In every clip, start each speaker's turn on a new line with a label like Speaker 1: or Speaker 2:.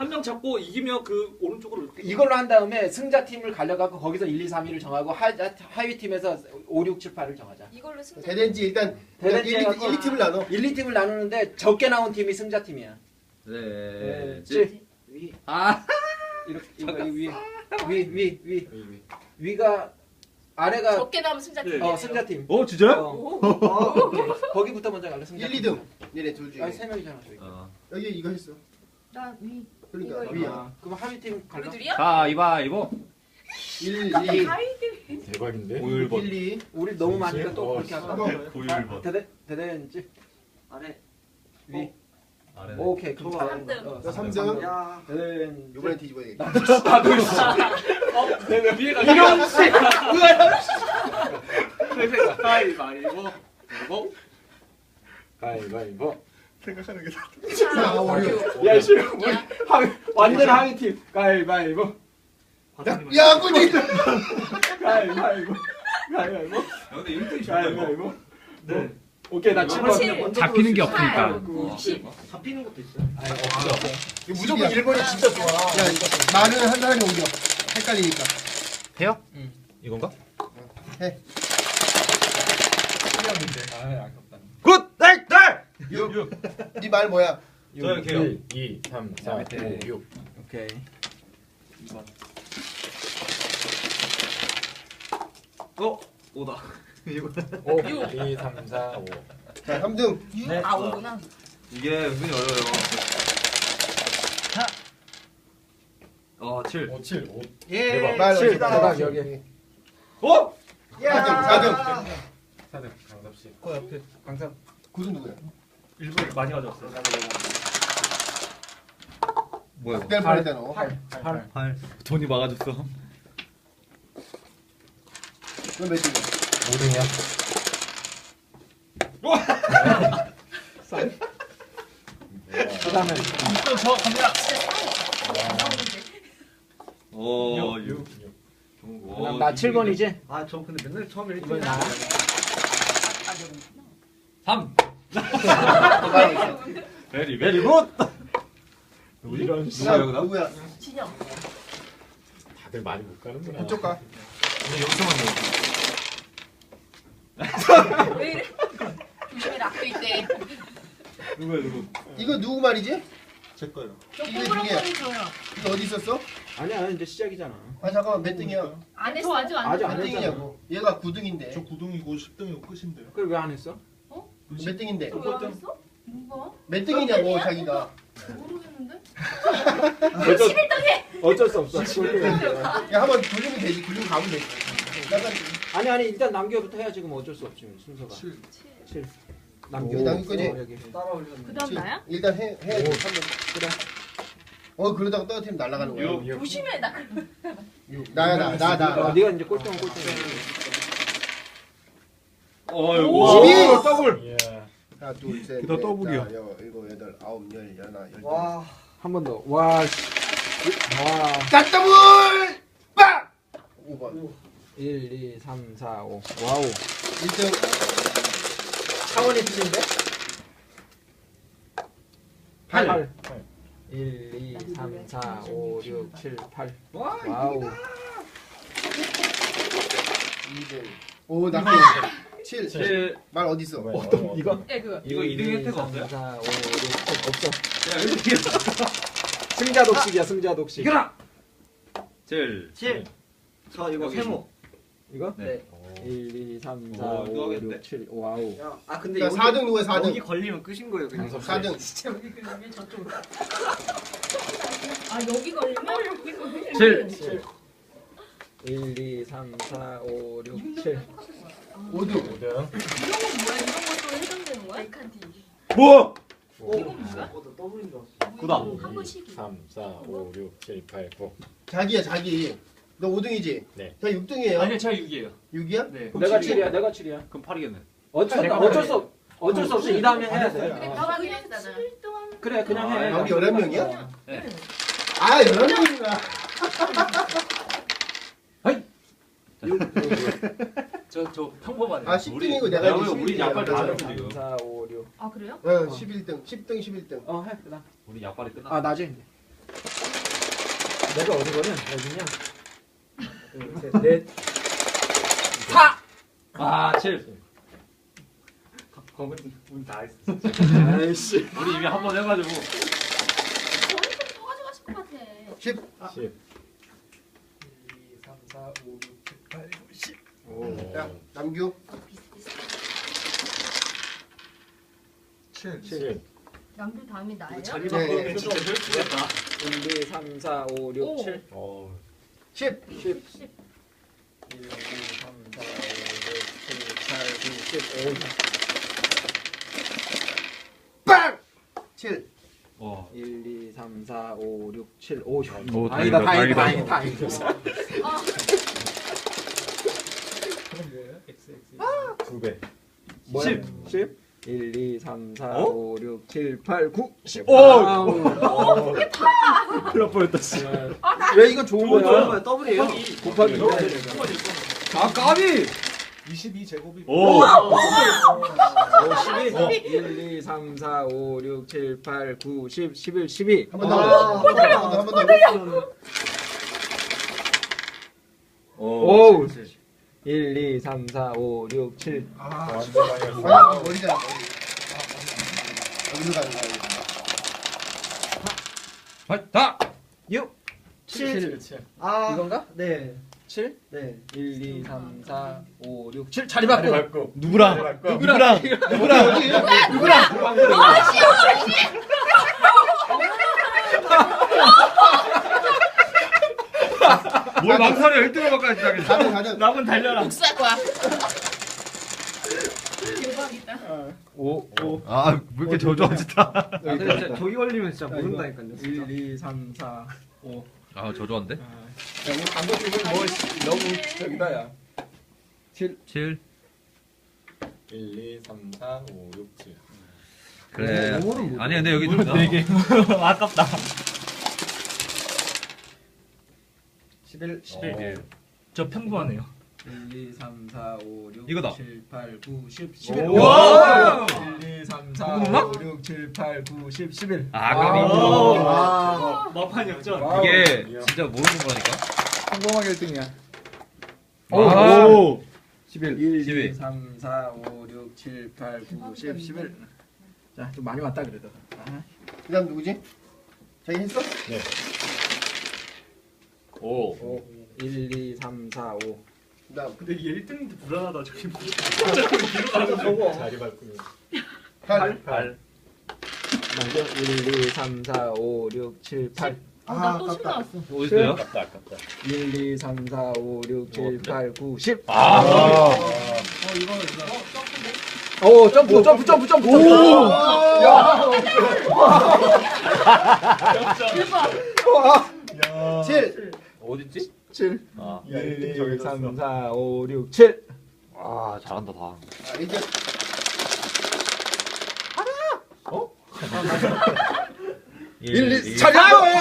Speaker 1: 한 명 잡고 이기면 그 오른쪽으로 이렇게.
Speaker 2: 이걸로 한 다음에 승자 팀을 갈려갖고 거기서 1, 2, 3위를 정하고 하위 팀에서 5, 6, 7, 8을 정하자.
Speaker 3: 이걸로 승자.
Speaker 4: 대댄지 일단
Speaker 2: 대댄지
Speaker 4: 1, 2팀을 나눠.
Speaker 2: 1, 2팀을 나누는데 적게 나온 팀이 승자 팀이야.
Speaker 5: 네.
Speaker 2: 위.
Speaker 5: 아.
Speaker 2: 이렇게 위가 아래가
Speaker 3: 적게 나오면 승자 팀.
Speaker 2: 승자 팀.
Speaker 5: 진짜요?
Speaker 2: 오케이. 거기부터 먼저 갈래 승자
Speaker 4: 1,
Speaker 2: 팀.
Speaker 4: 2등. 얘네 둘 중에.
Speaker 2: 아니 3명이잖아 저희.
Speaker 4: 여기 이거 했어.
Speaker 3: 나 위.
Speaker 4: 그러니까
Speaker 3: 이거.
Speaker 4: 위야.
Speaker 2: 그럼 하위 팀 갈라.
Speaker 3: 우리 둘이야?
Speaker 5: 가위바위보.
Speaker 4: 1, 2.
Speaker 6: 대박인데?
Speaker 4: 1, 2.
Speaker 2: 우리 너무 많으니까 또 그렇게 할까?
Speaker 5: 9번.
Speaker 2: 대댄지
Speaker 1: 아래.
Speaker 2: 위.
Speaker 5: 아래.
Speaker 2: 오케이 그럼 다
Speaker 3: 삼 등.
Speaker 4: 나 3등.
Speaker 1: 야.
Speaker 2: 대댄지.
Speaker 4: 이번엔 뒤집어야 되겠다.
Speaker 1: 위에가
Speaker 2: 이런 씨.
Speaker 1: 가위바위보. 뭐?
Speaker 6: 가위바위보.
Speaker 4: 생각하는 게 다.
Speaker 2: 야 씨. 완전 하위 팀. 가위바위보.
Speaker 4: 야, 꼴찌.
Speaker 2: 가위바위보. 가위바위보.
Speaker 5: 근데 1등이
Speaker 2: 가위바위보. 네. 오케이 나 7번.
Speaker 5: 잡히는 게 없으니까.
Speaker 3: 90.
Speaker 1: 잡히는 것도 있어.
Speaker 4: 무조건 1번이 진짜 좋아. 야, 말은 한 사람이 옮겨. 헷갈리니까.
Speaker 5: 해요?
Speaker 2: 응.
Speaker 5: 이건가?
Speaker 4: 해.
Speaker 2: 아 아깝다.
Speaker 5: 굿! 네!
Speaker 4: 네 말 뭐야?
Speaker 5: 저요, 개요.
Speaker 6: 1, 2, 3, 4, 5, 6.
Speaker 2: 오케이.
Speaker 1: 2번. 5다.
Speaker 6: 5, 2, 3, 4, 5.
Speaker 4: 자, 3등.
Speaker 2: 네.
Speaker 3: 아, 오구나.
Speaker 5: 이게 은근히 어려워요. 7.
Speaker 6: 5, 7, 5.
Speaker 1: 예.
Speaker 4: 말
Speaker 2: 7
Speaker 4: 어디다?
Speaker 2: 대박 여기.
Speaker 5: 어?
Speaker 4: 4등.
Speaker 6: 4등 강섭씨.
Speaker 1: 그 옆에
Speaker 2: 강삼.
Speaker 4: 9등 누구야?
Speaker 1: 일본 많이 가져왔어요.
Speaker 5: 뭐야?
Speaker 4: 될 뻔했다 너.
Speaker 2: 8.
Speaker 5: 8. 돈이 막아줬어.
Speaker 4: 그럼 몇 등이야?
Speaker 6: 5등이야.
Speaker 2: 그다음에
Speaker 1: 저 갑니다.
Speaker 5: 오,
Speaker 6: 6.
Speaker 2: 그다음 나 7번이지?
Speaker 1: 아, 저 근데 맨날 처음에
Speaker 2: 이번에 나.
Speaker 5: 3. 베리
Speaker 6: 베리
Speaker 5: 굿.
Speaker 6: 이런
Speaker 4: 누구야? 누구야?
Speaker 3: 진영.
Speaker 6: 다들 많이 못 가는구나.
Speaker 4: 그쪽 가.
Speaker 5: 근데 여기서만 넣어.
Speaker 3: 왜 이래? 조심해라. 악도 있대.
Speaker 5: 누구야 누구?
Speaker 4: 이거 누구 말이지?
Speaker 1: 제 거예요.
Speaker 3: 저
Speaker 4: 이게
Speaker 3: 꼬부랑
Speaker 4: 중이야.
Speaker 3: 거리 줘요.
Speaker 4: 이거 어디 있었어?
Speaker 2: 아니야 이제 시작이잖아.
Speaker 4: 아 잠깐만 몇 등이야?
Speaker 3: 안 했어. 아직 안
Speaker 2: 아직
Speaker 3: 했어.
Speaker 2: 안
Speaker 4: 몇
Speaker 2: 했잖아.
Speaker 4: 등이냐고. 얘가 9등인데.
Speaker 1: 9등이고 10등이고 끝인데요.
Speaker 2: 그걸 왜 안 했어?
Speaker 4: 몇 등인데?
Speaker 3: 왜안 했어? 누가?
Speaker 4: 몇 등이냐고 자기가.
Speaker 3: 모르겠는데?
Speaker 2: 어쩔 수 없어.
Speaker 4: 야 한번 돌리면 되지. 돌리면 가면 되지. 약간
Speaker 2: 아니 일단 남겨부터 해야지 그럼 어쩔 수 없지 순서가. 7. 남겨.
Speaker 4: 남길 거지?
Speaker 2: 여기.
Speaker 1: 따라 올렸는데.
Speaker 3: 그 다음 나야?
Speaker 4: 일단 해야지. 한번.
Speaker 2: 그래.
Speaker 4: 그러다가 떨어뜨리면 날아가는 거야.
Speaker 6: 6.
Speaker 3: 조심해. 나 그.
Speaker 4: 나야 나.
Speaker 2: 네가 이제 꼴등.
Speaker 5: 어이구.
Speaker 4: 12!
Speaker 2: 더블.
Speaker 6: 예.
Speaker 4: 하나 둘 셋.
Speaker 5: 너
Speaker 4: 넷,
Speaker 5: 더블이야.
Speaker 4: 다섯, 여섯, 일곱, 여덟, 아홉, 열, 열하나, 열둘.
Speaker 1: 와.
Speaker 2: 한 번 더. 와. 씨. 와.
Speaker 4: 짝 더블! 빵! 5번.
Speaker 2: 1, 2, 3, 4, 5. 와우.
Speaker 4: 1등.
Speaker 2: 차원이 틀린데?
Speaker 4: 8.
Speaker 2: 1, 2, 3, 4, 5, 6, 7, 8.
Speaker 1: 와.
Speaker 2: 와우.
Speaker 4: 2등. 오, 나 7.
Speaker 5: 7.
Speaker 4: 말 어디 있어?
Speaker 2: 이거?
Speaker 3: 예, 그거.
Speaker 5: 이거 2등 혜택 없어요?
Speaker 2: 4, 5, 6, 7 없어.
Speaker 5: 야, 1등이야.
Speaker 2: 승자 독식이야, 승자 독식.
Speaker 1: 이거라.
Speaker 5: 7.
Speaker 1: 7. 저 이거
Speaker 5: 여기
Speaker 1: 세모.
Speaker 2: 이거?
Speaker 1: 네.
Speaker 2: 1, 2, 3, 4,
Speaker 5: 오, 이거
Speaker 2: 5,
Speaker 5: 하겠네.
Speaker 2: 6, 7. 와우.
Speaker 1: 야, 아 근데
Speaker 4: 자,
Speaker 1: 여기
Speaker 4: 4등 누구야? 4등.
Speaker 1: 여기 걸리면 끝인 거예요, 그냥.
Speaker 6: 강섭씨.
Speaker 4: 4등.
Speaker 3: 진짜 여기 걸리면 저쪽으로. 아, 여기 걸리면? 여기 걸리면?
Speaker 5: 7.
Speaker 2: 1, 2, 3, 4, 5, 6, 7.
Speaker 4: 5등.
Speaker 6: 5등.
Speaker 3: 이런 건 뭐야? 이런 것도 해당되는 거야? 백한티.
Speaker 5: 뭐?
Speaker 3: 이건 뭐야?
Speaker 1: 나 더블인 줄 알았어.
Speaker 5: 구다.
Speaker 3: 한 번씩.
Speaker 6: 3, 4, 5, 6, 7, 8, 9.
Speaker 4: 자기야, 자기. 너 5등이지?
Speaker 6: 네.
Speaker 4: 저 6등이에요.
Speaker 5: 아니요, 제가 6이에요.
Speaker 4: 6이야?
Speaker 5: 네.
Speaker 2: 내가 7이야, 내가 7이야.
Speaker 5: 그럼 8이겠네.
Speaker 2: 어쩔 수 없어. 이 다음에 해야 돼.
Speaker 3: 그래, 너가 그냥 7등.
Speaker 2: 그래, 그냥 해.
Speaker 4: 여기 11명이야?
Speaker 5: 네.
Speaker 4: 아, 11명이구나.
Speaker 5: 저 평범하네.
Speaker 4: 아, 10등이고 내가
Speaker 5: 야,
Speaker 4: 이제
Speaker 5: 우리
Speaker 4: 11등이야.
Speaker 5: 약발 다 하는
Speaker 2: 3,
Speaker 5: 지금.
Speaker 2: 4, 5, 6.
Speaker 3: 아, 그래요?
Speaker 4: 11등. 10등, 11등.
Speaker 2: 해. 그다음.
Speaker 5: 우리 약발이 끝났어.
Speaker 2: 아, 나지. 내가 어디거든? 어디냐? 둘, 셋, 넷. 4!
Speaker 5: 아 7.
Speaker 2: 검은 문다 했어.
Speaker 5: 아이씨. 우리 이미 한 번 해가지고.
Speaker 3: 저희 또 가져가실 것 같아.
Speaker 4: 10.
Speaker 6: 10.
Speaker 2: 1, 2, 3, 4, 5, 6, 7, 8, 9, 10.
Speaker 6: 오.
Speaker 4: 야, 남규.
Speaker 3: 비슷비슷.
Speaker 1: 7.
Speaker 6: 7.
Speaker 3: 남들 다음이 나예요?
Speaker 5: 자리
Speaker 4: 네.
Speaker 5: 바꾸면 진짜 펼치겠다.
Speaker 2: 1, 2, 3, 4, 5, 6, 7.
Speaker 6: 어.
Speaker 2: 10. 10.
Speaker 3: 10.
Speaker 2: 1, 2, 3, 4, 5, 6, 7, 8, 9, 10.
Speaker 4: 빵! 7.
Speaker 5: 와.
Speaker 2: 1, 2, 3, 4, 5, 6, 7, 5.
Speaker 5: 오,
Speaker 2: 다행이다,
Speaker 5: 다행이다,
Speaker 2: 다행이다, 다행이다.
Speaker 3: 아,
Speaker 6: 2 배.
Speaker 2: 뭐야?
Speaker 5: 10.
Speaker 2: 10? 1, 2, 3, 4,
Speaker 5: 어?
Speaker 2: 5, 6, 7, 8, 9, 10.
Speaker 5: 오!
Speaker 2: 아우.
Speaker 5: 큰일 날 뻔했다 씨.
Speaker 2: 왜 이거 좋은
Speaker 1: 좋은
Speaker 2: 거야?
Speaker 1: 거야. 더블이에요.
Speaker 2: 곱하기
Speaker 5: 네.
Speaker 2: 아, 까비!
Speaker 1: 22제곱이.
Speaker 5: 오.
Speaker 2: 12. 1, 2, 3, 4, 5, 6, 7, 8, 9, 10, 11, 12.
Speaker 4: 한 번 더. 한 번 더.
Speaker 2: 오. 1, 2, 3, 4, 5, 6, 7.
Speaker 6: 완전 많이 했어.
Speaker 4: 아, 머리잖아. 어디로 가는 거야?
Speaker 5: 다.
Speaker 2: 6, 7.
Speaker 1: 아.
Speaker 2: 이건가?
Speaker 1: 네.
Speaker 2: 7?
Speaker 1: 네.
Speaker 2: 1, 2, 3, 4, 5, 6, 7. 자리 바꿔.
Speaker 6: 맞고.
Speaker 5: 누구랑?
Speaker 6: 누구랑?
Speaker 5: 뭘 망설여 1등을 바꿔야지 당연히.
Speaker 4: 가든.
Speaker 5: 남은 달려라.
Speaker 3: 복수할 거야. 대박이다.
Speaker 2: 5, 5.
Speaker 5: 아, 왜 이렇게 저조하지 다.
Speaker 1: 근데 진짜 저기 걸리면 진짜
Speaker 2: 이거.
Speaker 1: 모른다니까요.
Speaker 2: 1, 2, 3, 4, 5.
Speaker 5: 아, 저조한데?
Speaker 2: 야, 우리 감독님은 뭐 너무 저기다 야. 7.
Speaker 5: 7.
Speaker 6: 1, 2, 3, 4, 5, 6, 7.
Speaker 5: 그래.
Speaker 1: 오늘은 뭐-
Speaker 5: 아니 근데 여기 좀 4개. 아깝다.
Speaker 2: 11.
Speaker 5: 11. 저 평범하네요.
Speaker 2: 1, 2, 3, 4, 5, 6,
Speaker 5: 이거다.
Speaker 2: 7, 8, 9, 10, 11.
Speaker 6: 오!
Speaker 2: 와! 1, 2, 3, 4,
Speaker 5: 누구나?
Speaker 2: 5, 6, 7, 8, 9, 10, 11.
Speaker 5: 아,
Speaker 2: 아.
Speaker 5: 마판 역전.
Speaker 2: 와우.
Speaker 5: 이게 진짜 모르는 거라니까.
Speaker 2: 성공하게 1등이야.
Speaker 5: 오.
Speaker 2: 11. 1,
Speaker 5: 12.
Speaker 2: 2, 3, 4, 5, 6, 7, 8, 9, 10, 11. 자, 좀 많이 왔다 그래도. 아.
Speaker 4: 그 다음 누구지? 자기 했어?
Speaker 6: 네. 5.
Speaker 2: 5. 1, 2, 3, 4, 5.
Speaker 4: 그 다음.
Speaker 5: 근데 이게 1등인데 불안하다. 저기 뭐.
Speaker 6: 자리 바꾸는.
Speaker 4: 8.
Speaker 5: 8.
Speaker 2: 1, 2, 3, 4, 5, 6, 7, 8.
Speaker 3: 나또 10
Speaker 4: 아깝다.
Speaker 3: 나왔어.
Speaker 5: 어디 있어요?
Speaker 6: 아깝다, 아깝다.
Speaker 2: 1, 2, 3, 4, 5, 6, 7, 8, 9, 10.
Speaker 5: 아.
Speaker 2: 오, 점프. 오!
Speaker 3: 대박.
Speaker 4: 7.
Speaker 5: 어딨지?
Speaker 2: 7.
Speaker 5: 아.
Speaker 2: 1, 2, 3, 4, 5, 6, 7.
Speaker 5: 아, 잘한다 다.
Speaker 4: 아, 이제
Speaker 2: 1, 2,
Speaker 5: 2.
Speaker 2: 자리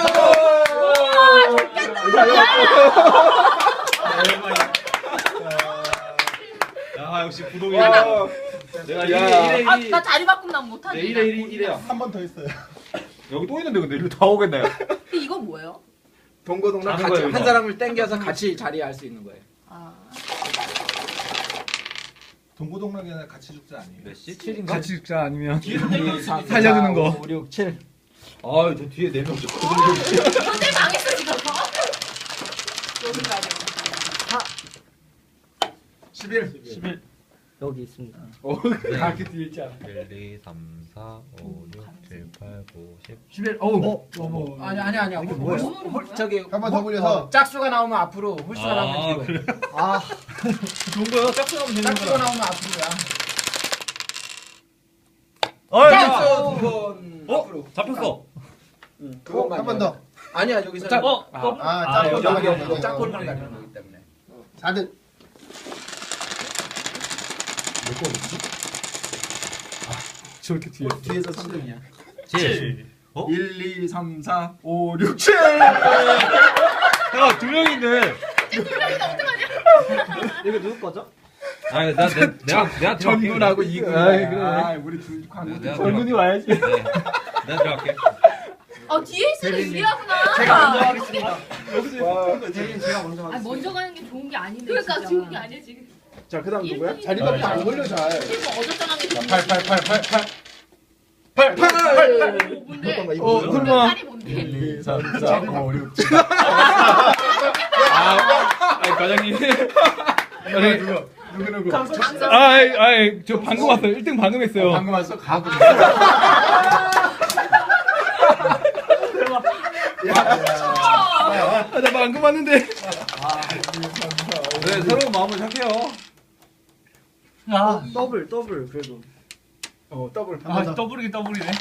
Speaker 5: 야, 역시 부동이야. 내가 1에 1에
Speaker 3: 아, 나 자리 바꾸면 난 못하지.
Speaker 5: 1에 1이야.
Speaker 1: 한 번 더 했어요.
Speaker 5: 여기 또 있는데 근데 일로 다 오겠네.
Speaker 3: 근데 이거 뭐예요?
Speaker 2: 동고동락
Speaker 5: 자는
Speaker 2: 같이
Speaker 5: 거예요,
Speaker 2: 한
Speaker 5: 이거.
Speaker 2: 사람을 땡겨서 같이 자리할 수 있는 거예요.
Speaker 3: 아,
Speaker 1: 동고동락이나 같이 죽자 아니에요?
Speaker 5: 몇 시?
Speaker 2: 7인가?
Speaker 7: 같이 죽자 아니면
Speaker 2: 1, 2, 3,
Speaker 7: 살려주는 거.
Speaker 2: 5, 6, 7.
Speaker 5: 아, 저 뒤에 4명 좀.
Speaker 3: 근데 망했어 지금. 여기까지.
Speaker 2: 11.
Speaker 5: 11.
Speaker 1: 여기 있습니다.
Speaker 2: 그렇게 뒤에 있지 않아.
Speaker 5: 1, 2, 3, 4, 5, 6, 7, 8, 9, 10.
Speaker 2: 11. 어우. 아니야.
Speaker 3: 이게 뭐야?
Speaker 2: 저기
Speaker 4: 한 번 더 굴려서.
Speaker 2: 짝수가 나오면 앞으로, 홀수가 나오면 뒤로.
Speaker 5: 그래.
Speaker 1: 아,
Speaker 5: 좋은 거야. 짝수 하면 되는
Speaker 2: 짝수가
Speaker 5: 거야.
Speaker 2: 나오면 앞으로야. 짝수 두 번. 앞으로.
Speaker 5: 잡혔어.
Speaker 2: 그것만.
Speaker 4: 한 번 더.
Speaker 2: 아니야 여기서.
Speaker 5: 짝.
Speaker 4: 아,
Speaker 2: 여기
Speaker 4: 짝꿍.
Speaker 2: 여기 짝꿍을 가는 거기 때문에.
Speaker 4: 4등.
Speaker 7: 저렇게 뒤에
Speaker 2: 뒤에서 3등이야.
Speaker 5: 7.
Speaker 2: 1, 2, 3, 4, 5, 6, 7.
Speaker 5: 야, 2명인데.
Speaker 1: 이거 누구 거죠?
Speaker 5: 아니, 내가
Speaker 2: 전군하고 이군.
Speaker 7: 아이, 그래.
Speaker 2: 아, 우리 둘 광고.
Speaker 5: 내가
Speaker 7: 전군이 와야지.
Speaker 5: 네. 내가 들어갈게.
Speaker 3: 뒤에 있으면 유리하구나.
Speaker 2: 제가 먼저 하겠습니다.
Speaker 1: 대신 제가 먼저
Speaker 3: 아
Speaker 1: 하겠습니다.
Speaker 3: 먼저 가는 게 좋은 게 아닌데.
Speaker 8: 그러니까
Speaker 3: 진짜.
Speaker 8: 좋은 게 아니야 지금.
Speaker 2: 자 그다음 누구야?
Speaker 4: 자리밖에 안 걸려 잘.
Speaker 8: 지금 어저쩌는 게 좋은
Speaker 6: 8, 8, 8, 8, 8.
Speaker 2: 8.
Speaker 8: 뭔데?
Speaker 7: 설마.
Speaker 8: 딸이 뭔데?
Speaker 6: 1, 2, 3, 4, 5, 6, 7.
Speaker 7: 아니 과장님.
Speaker 6: 누구?
Speaker 7: 아이 저 방금 왔어요. 1등 방금 했어요.
Speaker 6: 방금 왔어? 가고.
Speaker 7: 나 방금 왔는데.
Speaker 5: 네, 새로운 마음을 착해요.
Speaker 1: 더블 그래도.
Speaker 2: 더블.
Speaker 7: 더블이긴 더블이네.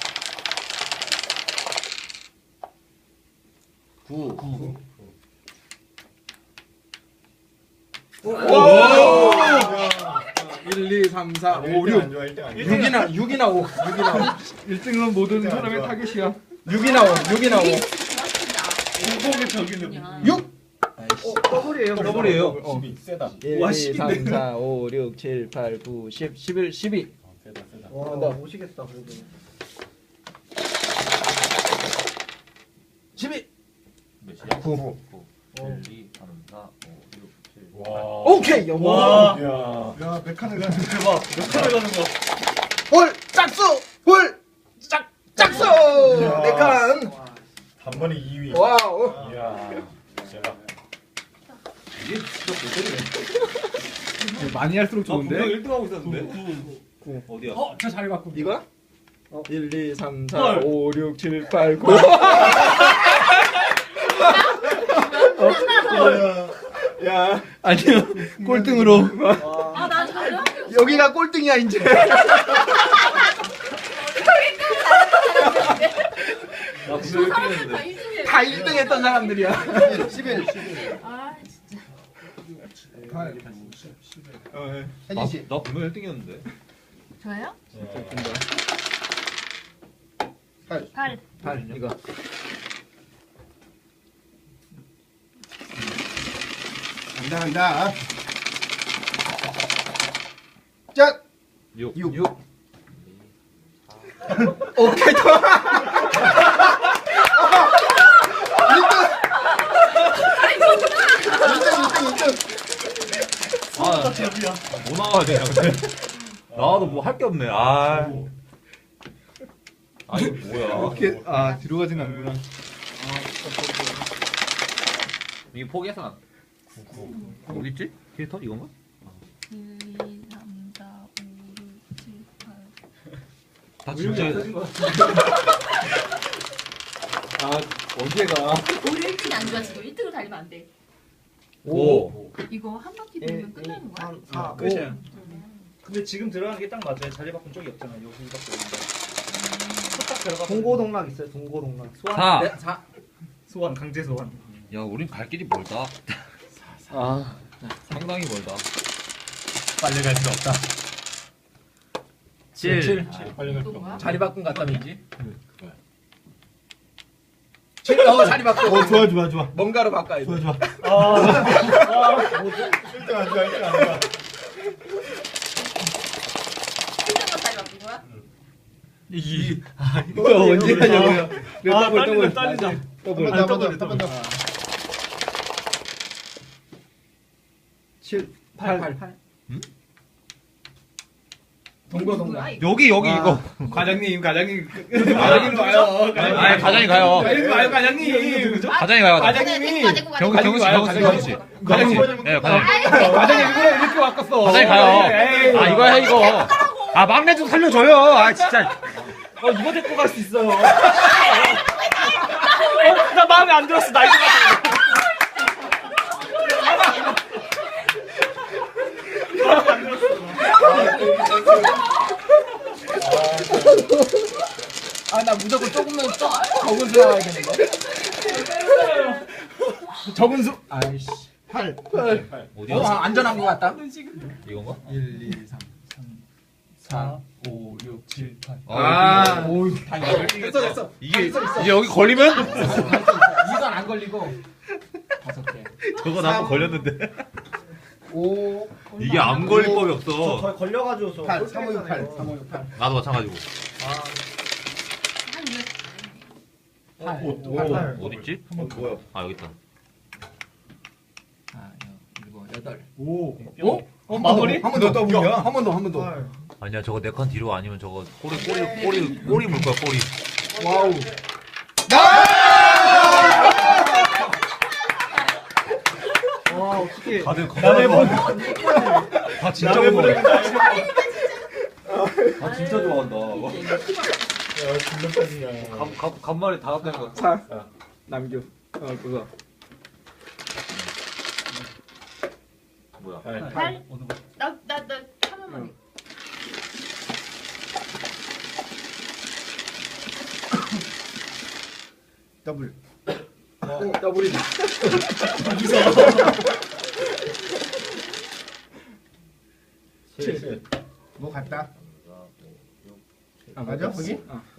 Speaker 2: 9.
Speaker 6: 오! 1, 2, 3, 4, 5, 6.
Speaker 2: 6이나 5.
Speaker 7: 1등은 모든 사람의 타겟이야.
Speaker 2: 6이나 5. 6이나 5.
Speaker 7: 공공의 적이네.
Speaker 2: 6.
Speaker 1: 더블이에요.
Speaker 5: 더블이에요.
Speaker 6: 12. 세다.
Speaker 2: 1, 2, 3, 4, 5, 6, 7, 8, 9, 10, 11, 12.
Speaker 6: 세다.
Speaker 1: 와, 오시겠다 그래도.
Speaker 2: 12.
Speaker 6: 몇이야?
Speaker 2: 9.
Speaker 5: 1, 2, 3, 4, 5, 6, 7.
Speaker 6: 와.
Speaker 2: 오케이.
Speaker 1: 와.
Speaker 6: 야.
Speaker 4: 야, 몇 칸을 가는
Speaker 1: 대박. 몇 칸을 가는 거.
Speaker 2: 홀 짝수. 홀 짝수.
Speaker 6: 이야.
Speaker 2: 4칸.
Speaker 6: 단번에 2위.
Speaker 2: 와우.
Speaker 6: 이야. 대박.
Speaker 5: 이게 진짜 고퀄이네.
Speaker 7: 많이 할수록 좋은데.
Speaker 5: 분명 1등 하고 있었는데. 9. 어디야?
Speaker 7: 저 자리 바꾼.
Speaker 2: 이거야? 1, 2, 3, 4, 5, 6, 7, 8, 9.
Speaker 6: 야.
Speaker 7: 아니요. 꼴등으로.
Speaker 8: 아나 잘해.
Speaker 2: 여기가 꼴등이야 이제.
Speaker 5: 나 분명 1등 했는데.
Speaker 2: 다 1등 했던 사람들이야.
Speaker 4: 11.
Speaker 8: 아
Speaker 4: 혜진 씨.
Speaker 5: 나 분명 1등이었는데.
Speaker 8: 저요?
Speaker 4: 8.
Speaker 8: 8.
Speaker 2: 8 이거.
Speaker 4: 간다. 짠.
Speaker 5: 6.
Speaker 2: 6. 오케이.
Speaker 5: 아, 뭐 나와야 되냐 근데. 나와도 뭐 할 게 없네. 아. 아 이거 뭐야?
Speaker 7: 이렇게 뒤로 가진 않구나.
Speaker 5: 이게 포기해서 안. 어디 있지? 캐릭터 이건가?
Speaker 8: 1, 2, 3, 4, 5, 6, 7, 8.
Speaker 5: 다 진짜.
Speaker 7: 어디가?
Speaker 8: 우리 1등이 안 좋아 지금 1등을 달리면 안 돼.
Speaker 5: 5.
Speaker 8: 이거 한 바퀴 돌면 끝나는 거야?
Speaker 1: 3, 4, 끝이야. 근데 지금 들어가는 게 딱 맞아요. 자리 바꾼 쪽이 없잖아. 여기밖에 없는데. 딱 들어가. 동고동락 있어요. 동고동락. 소환.
Speaker 5: 4.
Speaker 2: 네, 4.
Speaker 1: 소환 강제 소환.
Speaker 5: 야, 우린 갈 길이 멀다.
Speaker 2: 아.
Speaker 5: 상당히 멀다.
Speaker 6: 빨리 갈 수 없다.
Speaker 5: 7.
Speaker 6: 빨리 갈 수
Speaker 8: 또 뭐야?
Speaker 6: 없다.
Speaker 2: 자리 바꾼 갔다면지?
Speaker 6: 그거야.
Speaker 2: 7. 자리 바꿔.
Speaker 7: 좋아.
Speaker 2: 뭔가로 바꿔야 돼.
Speaker 7: 좋아.
Speaker 6: 1등 안 좋아, 1등 안 좋아.
Speaker 8: 1등만 자리 바꾼 거야?
Speaker 7: 이거 언제 하냐고요? 더블.
Speaker 1: 딸리자.
Speaker 4: 한번 더.
Speaker 1: 7,
Speaker 2: 8.
Speaker 8: 동고동락.
Speaker 5: 여기 이거.
Speaker 7: 과장님 가요.
Speaker 5: 아니, 과장이 가요.
Speaker 7: 과장님.
Speaker 5: 과장이 가요.
Speaker 7: 과장님이
Speaker 5: 경수 씨. 예, 과장님.
Speaker 7: 과장님 일부러 이렇게 바꿨어.
Speaker 5: 과장이 가요. 아, 이거 해, 이거. 아, 막내 좀 살려줘요. 아, 진짜.
Speaker 1: 이거 데리고 갈 수 있어요. 나 마음에 안 들었어. 나 이거 같아.
Speaker 2: 나 무조건 조금만 적은 수 나와야겠는데. 적은 수. 아이씨.
Speaker 4: 8.
Speaker 5: 어디야?
Speaker 2: 안전한 것 같다.
Speaker 5: 이건가?
Speaker 7: 1, 2, 3, 4, 5, 6, 7, 8.
Speaker 5: 아,
Speaker 2: 됐어.
Speaker 5: 이게 여기 걸리면?
Speaker 2: 이건 안 걸리고 5개.
Speaker 5: 저거 나도 걸렸는데.
Speaker 4: 5.
Speaker 5: 이게 안 걸릴 법이
Speaker 1: 저
Speaker 5: 없어.
Speaker 1: 거의 걸려가지고 저
Speaker 4: 8. 3, 5, 6, 8.
Speaker 1: 꼴등했잖아요.
Speaker 4: 3, 5, 6, 8.
Speaker 5: 나도 마찬가지고.
Speaker 8: 한 6.
Speaker 2: 8.
Speaker 1: 8.
Speaker 5: 어딨지?
Speaker 6: 뭐야?
Speaker 5: 아, 여기 있다.
Speaker 2: 8.
Speaker 1: 오.
Speaker 7: 마무리?
Speaker 4: 한 번 더 더블이야.
Speaker 2: 한 번 더, 한 번 더.
Speaker 5: 아니야 저거 4칸 뒤로 아니면 저거 꼬리 물 거야 꼬리.
Speaker 2: 와우.
Speaker 1: 와 어떻게?
Speaker 5: 다들
Speaker 1: 남의 분.
Speaker 5: 다 진짜
Speaker 1: 남의
Speaker 5: 먹어.
Speaker 1: 분을
Speaker 5: 아 진짜 좋아한다.
Speaker 6: 야 진짜까지야.
Speaker 5: 간만에 다 합된 거.
Speaker 2: 남규. 그거.
Speaker 5: 뭐야?
Speaker 3: 팔. 나 하나만.
Speaker 4: 더블.
Speaker 2: 더블이다.
Speaker 4: 뭐 같다. 맞아 거기?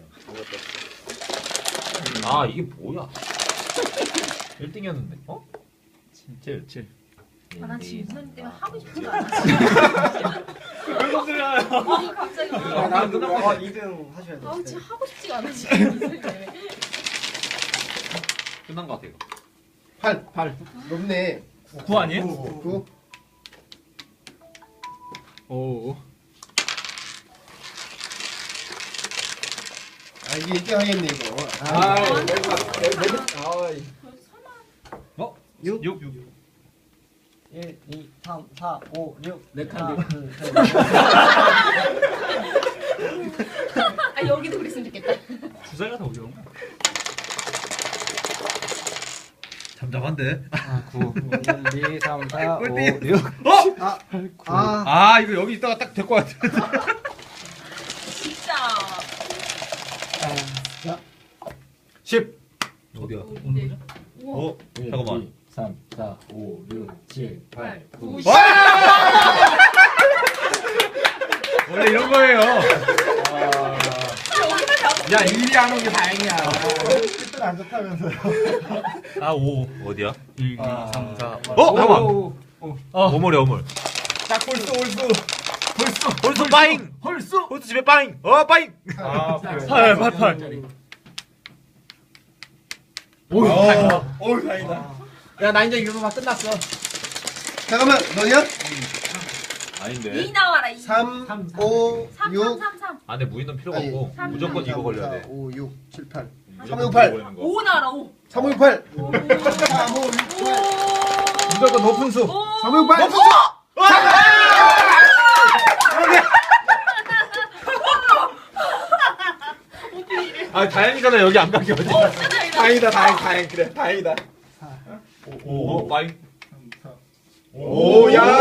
Speaker 5: 아 이게 뭐야? 1등이었는데. 어? 7.
Speaker 3: 나 지금 무슨 때문에 하고 싶지가 않아.
Speaker 1: 왜
Speaker 3: 아니 갑자기.
Speaker 2: 난 누나.
Speaker 1: 2등 하셔야 돼.
Speaker 3: 아 지금 하고 싶지가 않아 지금 무슨 때문에.
Speaker 5: 끝난 거 같아 이거.
Speaker 2: 8.
Speaker 4: 높네.
Speaker 1: 9 아니에요?
Speaker 4: 9.
Speaker 2: 오.
Speaker 4: 아 이게 1등 하겠네 이거.
Speaker 2: 아,
Speaker 5: 어?
Speaker 1: 6.
Speaker 7: 1, 2, 3, 4, 5, 6.
Speaker 2: 네 칸.
Speaker 7: 하나, 둘, 셋.
Speaker 3: 아 여기도 그랬으면 좋겠다.
Speaker 1: 주사위 같은 거 어려운 거.
Speaker 5: 잠잠한데.
Speaker 7: 9, 1, 2, 3, 4, 5, 6.
Speaker 4: 아
Speaker 2: 이거 여기 있다가 딱 될 것 같아.
Speaker 3: 진짜.
Speaker 2: 10.
Speaker 5: 어디야?
Speaker 3: 네.
Speaker 5: 어? 잠깐만.
Speaker 2: 3, 4, 5, 6, 7, 8, 9.
Speaker 5: 원래 이런 거예요.
Speaker 2: 야, 1위 안 온 게 다행이야.
Speaker 4: 안 좋다면서요.
Speaker 5: 아 5. 어디야?
Speaker 1: 1, 2, 3, 4.
Speaker 5: 잠깐만.
Speaker 2: 오.
Speaker 5: 어물이 어물.
Speaker 2: 딱 홀수.
Speaker 5: 홀수 빠잉.
Speaker 2: 홀수.
Speaker 5: 홀수 집에 빠잉. 빠잉.
Speaker 2: 아,
Speaker 1: 8.
Speaker 2: 오, 다행이다.
Speaker 6: 오 다행이다.
Speaker 2: 야, 나 이제 이거 막 끝났어.
Speaker 4: 잠깐만 너냐?
Speaker 5: 아닌데.
Speaker 3: 2 나와라 2.
Speaker 4: 3, 5,
Speaker 3: 3
Speaker 4: 6.
Speaker 3: 3.
Speaker 5: 안에 무인은 필요가
Speaker 4: 아니,
Speaker 5: 없고
Speaker 3: 삼,
Speaker 5: 무조건 이거 걸려야 돼.
Speaker 4: 5, 6, 7, 8.
Speaker 5: 무조건
Speaker 4: 3, 6, 8.
Speaker 5: 이거 걸리는 거.
Speaker 3: 5 나와라 5.
Speaker 4: 3, 5, 6, 8. 3, 5, 6, 8.
Speaker 2: 무조건 높은 수.
Speaker 4: 3, 5, 6, 8.
Speaker 5: 아 다행이잖아 여기 안 가게 어디.
Speaker 2: 다행이다, 다행. 그래, 다행이다.
Speaker 5: 오 빠잉.
Speaker 2: 오, 야.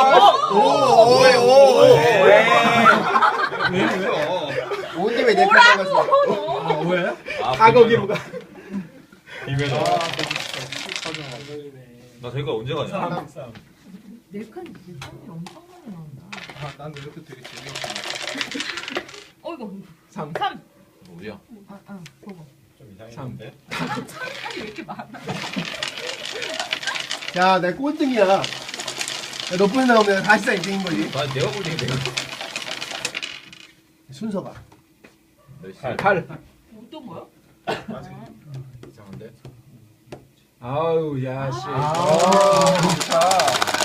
Speaker 4: 뭔데 왜내 편에 갔어?
Speaker 1: 뭐야?
Speaker 2: 가거기로 가.
Speaker 5: 비매너. 나 저희가 언제 가냐?
Speaker 3: 내칸이 엄청 많이 나온다.
Speaker 6: 난 이것도 되게 재미없어.
Speaker 3: 어이구.
Speaker 2: 3.
Speaker 3: 3.
Speaker 5: 어디야?
Speaker 3: 그거.
Speaker 6: 좀 이상했는데.
Speaker 3: 칸이 왜 이렇게 많아?
Speaker 4: 야, 내 꼴등이야. 야, 높은 나오면 다시다 1등인 거지.
Speaker 5: 나 내가 볼링 내가.
Speaker 4: 순서가.
Speaker 2: 8.
Speaker 3: 어떤 거야?
Speaker 6: 이상한데.
Speaker 2: 아우, 야, 씨.
Speaker 6: 좋다.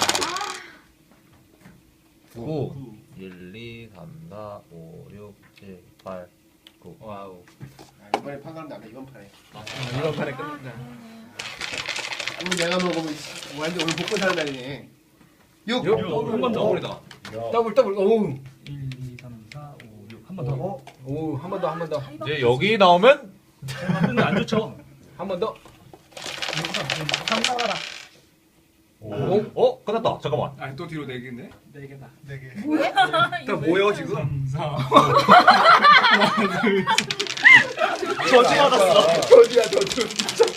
Speaker 5: 9. 1, 2, 3, 4, 5, 6, 7, 8, 9.
Speaker 6: 와우.
Speaker 4: 이번에 판가름 나가 이번 판에.
Speaker 2: 이번 판에 끝난다.
Speaker 4: 오늘 내가 먹으면 완전 오늘 복권 사는 날이네. 6.
Speaker 5: 한번 더 버리다.
Speaker 2: 더블. 오.
Speaker 1: 1, 2, 3, 4, 5, 6. 한 번 더.
Speaker 2: 오, 한 번 더.
Speaker 5: 이제 여기 나오면
Speaker 1: 근데 안 좋죠.
Speaker 2: 한 번 더.
Speaker 4: 3 나와라.
Speaker 5: 오. 끝났다. 잠깐만.
Speaker 6: 아 또 뒤로 4개인데?
Speaker 1: 4개다.
Speaker 4: 4개.
Speaker 3: 뭐야?
Speaker 2: 나 뭐야, 지금?
Speaker 1: 3, 4. 저지 받았어.
Speaker 2: 저지야, 저지.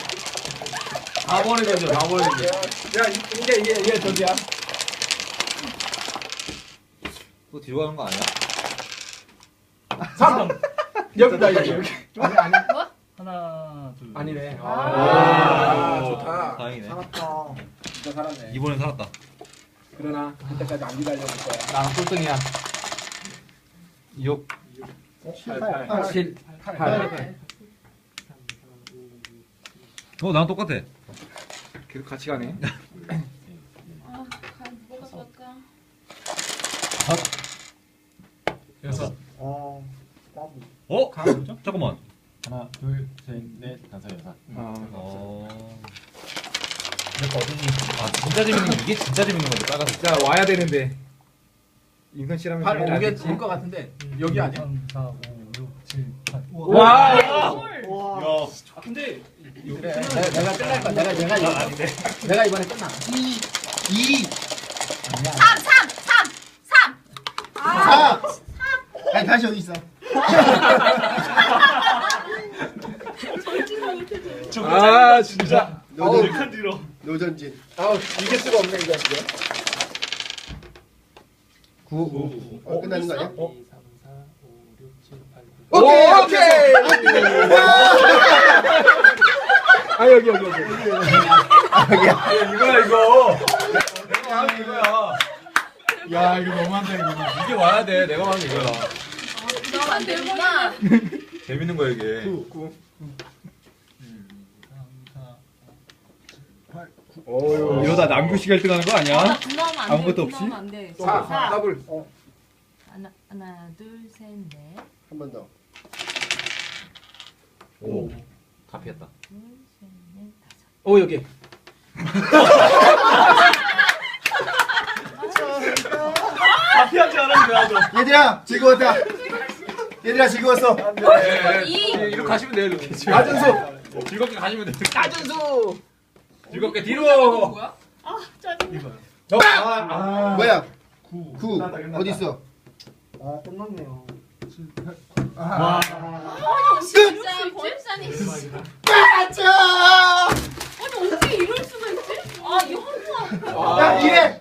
Speaker 5: 다 버리겠죠. 다 버리겠죠.
Speaker 2: 야, 이게 저지야.
Speaker 5: 또 뒤로 가는 거 아니야?
Speaker 2: 3. 여기다, 여기.
Speaker 1: 하나, 둘.
Speaker 2: 아니네.
Speaker 3: 아,
Speaker 2: 좋다.
Speaker 5: 다행이네.
Speaker 4: 살았다.
Speaker 2: 진짜 살았네.
Speaker 5: 이번엔 살았다.
Speaker 2: 그러나 그때까지 안 기다려줄 거야.
Speaker 7: 나 꼴등이야. 6.
Speaker 2: 7, 8.
Speaker 5: 나랑 똑같아.
Speaker 2: 계속 같이 가네.
Speaker 3: 아, 간.
Speaker 5: 잠깐만.
Speaker 6: 하나, 둘, 셋, 넷, 다섯, 여섯.
Speaker 1: 내거 어딨니?
Speaker 5: 아 진짜 재밌는 게 이게 진짜 재밌는 건데 빨간색.
Speaker 9: 자 와야 되는데. 인선 씨라면
Speaker 2: 발
Speaker 9: 당연히 알겠지.
Speaker 2: 올것 같은데 여기 아니야?
Speaker 7: 3, 4, 5, 6, 7, 8.
Speaker 9: 와.
Speaker 1: 와. 근데
Speaker 2: 그래 내가 끝날 거야. 내가 이거
Speaker 1: 아닌데.
Speaker 2: 내가 이번에 끝나.
Speaker 4: 2
Speaker 8: 3, 3, 3, 3.
Speaker 4: 4 아니 다시 여기 있어.
Speaker 9: 아 진짜.
Speaker 1: 노전 뒤로.
Speaker 4: 노전진.
Speaker 2: 아우 이길 수가 없네 이거 이제.
Speaker 4: 9 끝나는 거 아니야?
Speaker 6: 2, 3, 4, 5, 6, 7, 8, 9.
Speaker 9: 오케이. 아 여기. 이거야 이거. 내가 하는 이거야.
Speaker 6: 야 이거 너무한다 이거.
Speaker 5: 이게 와야 돼. 내가 하는 이거야.
Speaker 8: 나만 되구나.
Speaker 5: 재밌는 거야 이게.
Speaker 6: 9.
Speaker 9: 이러다 남규식 1등 하는 거 아니야? 아무것도 없이?
Speaker 8: 안 돼.
Speaker 2: 4 더블.
Speaker 8: 하나, 둘, 셋, 넷.
Speaker 4: 한 번 더.
Speaker 5: 오. 다 피했다.
Speaker 8: 둘, 셋, 넷, 다섯.
Speaker 2: 오 여기.
Speaker 1: 피하지 않았는데 나도.
Speaker 4: 얘들아 즐거웠다. 얘들아 즐거웠어.
Speaker 5: 이렇게 가시면 돼요 이렇게.
Speaker 2: 나준수.
Speaker 5: 즐겁게 가시면 돼.
Speaker 2: 나준수.
Speaker 5: 즐겁게 뒤로.
Speaker 8: 뭐야?
Speaker 4: 뭐야? 9 어디 있어?
Speaker 1: 아 끝났네요.
Speaker 8: 진짜 권산이.
Speaker 4: 빠져!
Speaker 8: 아니 어떻게 이럴 수가 있지? 아 이거 한 번.
Speaker 4: 야 이래.